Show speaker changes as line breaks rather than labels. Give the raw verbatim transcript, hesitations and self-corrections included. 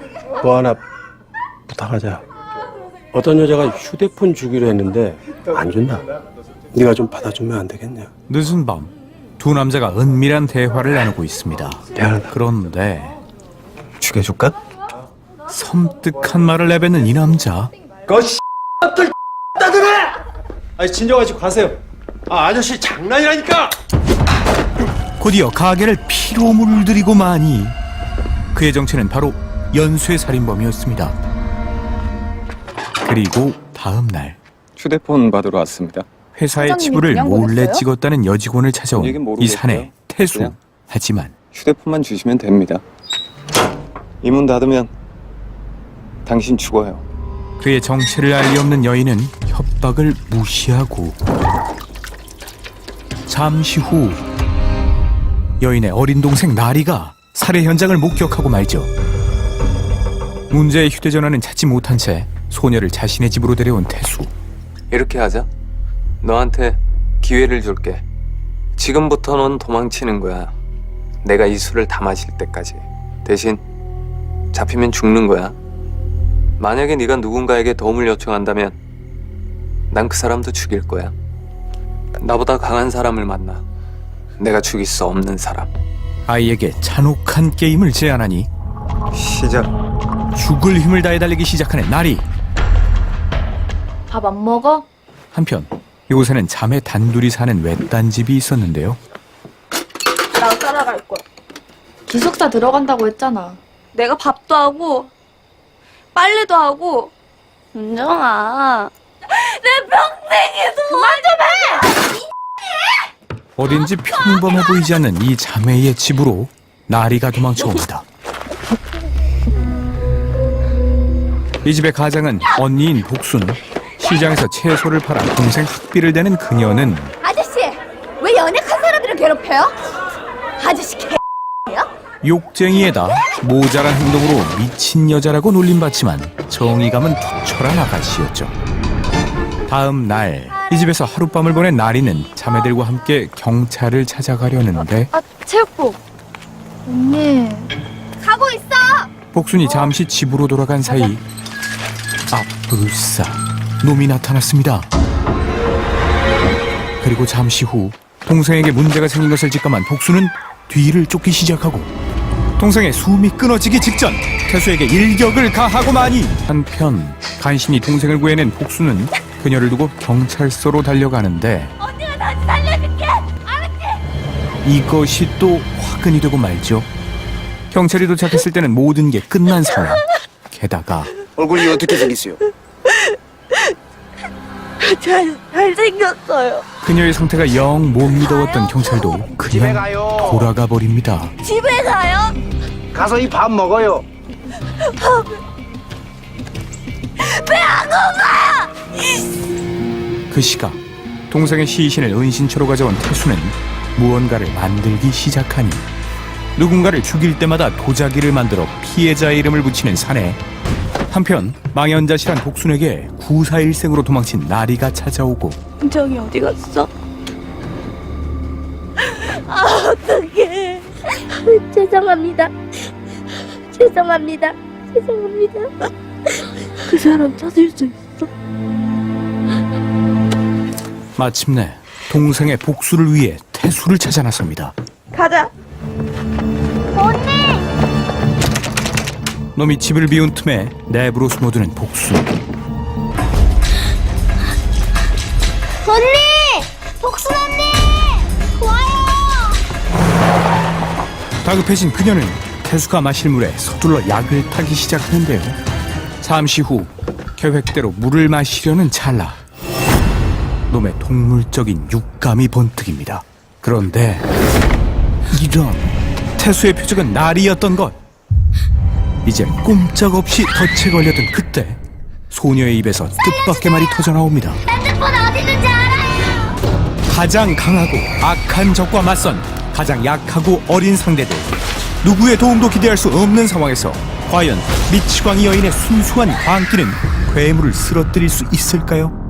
뭐 하나 부탁하자. 어떤 여자가 휴대폰 주기로 했는데 안 준다. 네가 좀 받아주면 안 되겠냐?
늦은 밤 두 남자가 은밀한 대화를 나누고 있습니다.
미안하다.
그런데
죽여줄까?
섬뜩한 말을 내뱉는 이 남자.
거씨 들 따드네! 아니 진정하시고 가세요. 아 아저씨 장난이라니까!
곧이어 가게를 피로 물들이고 마니 그의 정체는 바로 연쇄살인범이었습니다. 그리고 다음 날
휴대폰 받으러 왔습니다.
회사의
사장님이
치부를
그냥
몰래
보냈어요?
찍었다는 여직원을 찾아온
얘긴
이
모르겠고요.
사내 태수.
그냥.
하지만
휴대폰만 주시면 됩니다. 이 문 닫으면 당신 죽어요.
그의 정체를 알 리 없는 여인은 협박을 무시하고 잠시 후 여인의 어린 동생 나리가 살해 현장을 목격하고 말죠. 문제의 휴대전화는 찾지 못한 채 소녀를 자신의 집으로 데려온 태수.
이렇게 하자. 너한테 기회를 줄게. 지금부터 넌 도망치는 거야. 내가 이 술을 다 마실 때까지. 대신 잡히면 죽는 거야. 만약에 네가 누군가에게 도움을 요청한다면 난 그 사람도 죽일 거야. 나보다 강한 사람을 만나. 내가 죽일 수 없는 사람.
아이에게 잔혹한 게임을 제안하니
시작.
죽을 힘을 다해 달리기 시작하는 나리.
밥 안 먹어?
한편 이곳에는 자매 단둘이 사는 외딴 집이 있었는데요.
나 따라갈 거야. 기숙사 들어간다고 했잖아.
내가 밥도 하고 빨래도 하고. 은정아, 내 평생에도 그만 좀 해!
어딘지 평범해 보이지 않는 이 자매의 집으로 나리가 도망쳐옵니다. 이 집의 가장은 언니인 복순. 시장에서 채소를 팔아 동생 학비를 대는 그녀는
아저씨, 왜 연약한 사람들을 괴롭혀요? 아저씨 개예요?
욕쟁이에다 모자란 행동으로 미친 여자라고 놀림받지만 정의감은 투철한 아가씨였죠. 다음 날 이 집에서 하룻밤을 보낸 나리는 자매들과 함께 경찰을 찾아가려는데
아, 체육복. 언니.
가고 있어.
복순이 잠시 집으로 돌아간 사이 아뿔싸 놈이 나타났습니다. 그리고 잠시 후 동생에게 문제가 생긴 것을 직감한 복순은 뒤를 쫓기 시작하고 동생의 숨이 끊어지기 직전 태수에게 일격을 가하고 마니 한편 간신히 동생을 구해낸 복순은 그녀를 두고 경찰서로 달려가는데
언니가 다시 살려줄게. 알았지?
이것이 또 화근이 되고 말죠. 경찰이 도착했을 때는 모든 게 끝난 상황. 게다가
얼굴이 어떻게 생겼어요?
잘 잘생겼어요.
그녀의 상태가 영 못 믿어왔던 경찰도
집에
그냥
가요.
돌아가 버립니다.
집에 가요?
가서 이 밥 먹어요.
그 시각 동생의 시신을 은신처로 가져온 태수는 무언가를 만들기 시작하니 누군가를 죽일 때마다 도자기를 만들어 피해자의 이름을 붙이는 사내. 한편 망연자실한 복순에게 구사일생으로 도망친 나리가 찾아오고
은정이 어디 갔어? 아, 어떡해. 죄송합니다. 죄송합니다. 죄송합니다. 그 사람 찾을 수 있어?
마침내 동생의 복수를 위해 태수를 찾아 나섭니다.
가자.
놈이 집을 비운 틈에 내부로 숨어드는 복수.
언니! 복순 언니! 와요!
다급해진 그녀는 태수가 마실 물에 서둘러 약을 타기 시작하는데요. 잠시 후 계획대로 물을 마시려는 찰나 놈의 동물적인 육감이 번뜩입니다. 그런데 이런 태수의 표적은 날이었던 것. 이제 꼼짝없이 덫에 걸려든 그때 소녀의 입에서 뜻밖의 말이 터져나옵니다.
핸드폰 어디 있는지 알아요!
가장 강하고 악한 적과 맞선 가장 약하고 어린 상대들, 누구의 도움도 기대할 수 없는 상황에서 과연 미치광이 여인의 순수한 광기는 괴물을 쓰러뜨릴 수 있을까요?